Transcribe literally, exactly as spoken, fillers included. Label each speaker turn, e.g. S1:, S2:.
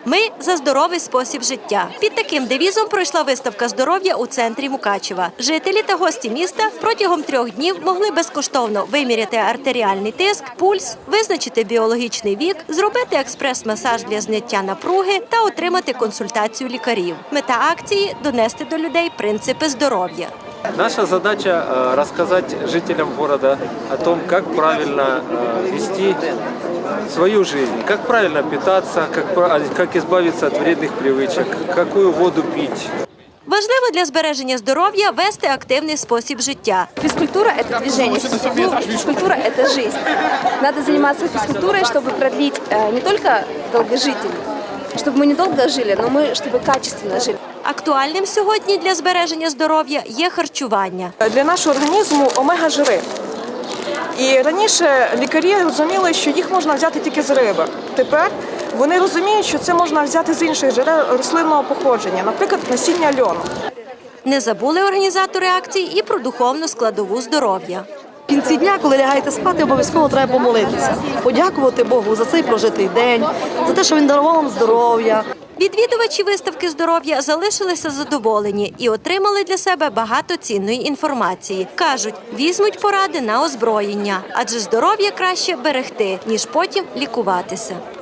S1: Ми за здоровий спосіб життя. Під таким девізом пройшла виставка здоров'я у центрі Мукачева. Жителі та гості міста протягом трьох днів могли безкоштовно виміряти артеріальний тиск, пульс, визначити біологічний вік, зробити експрес-масаж для зняття напруги та отримати консультацію лікарів. Мета акції – донести до людей принципи здоров'я.
S2: Наша задача – рассказать жителям города о том, как правильно вести свою жизнь, как правильно питаться, как, как избавиться от вредных привычек, какую воду пить.
S1: Важливо для збереження здоров'я вести активний спосіб життя.
S3: Физкультура – это движение, физкультура – это жизнь. Надо заниматься физкультурой, чтобы продлить не только долгожителей, щоб ми не довго жили, але ми, щоб качественно жили.
S1: Актуальним сьогодні для збереження здоров'я є харчування.
S4: Для нашого організму омега-жири. І раніше лікарі розуміли, що їх можна взяти тільки з риби. Тепер вони розуміють, що це можна взяти з інших джерел рослинного походження, наприклад, насіння льону.
S1: Не забули організатори акції і про духовну складову здоров'я.
S5: В кінці дня, коли лягаєте спати, обов'язково треба помолитися, подякувати Богу за цей прожитий день, за те, що Він дарував вам здоров'я.
S1: Відвідувачі виставки здоров'я залишилися задоволені і отримали для себе багато цінної інформації. Кажуть, візьмуть поради на озброєння, адже здоров'я краще берегти, ніж потім лікуватися.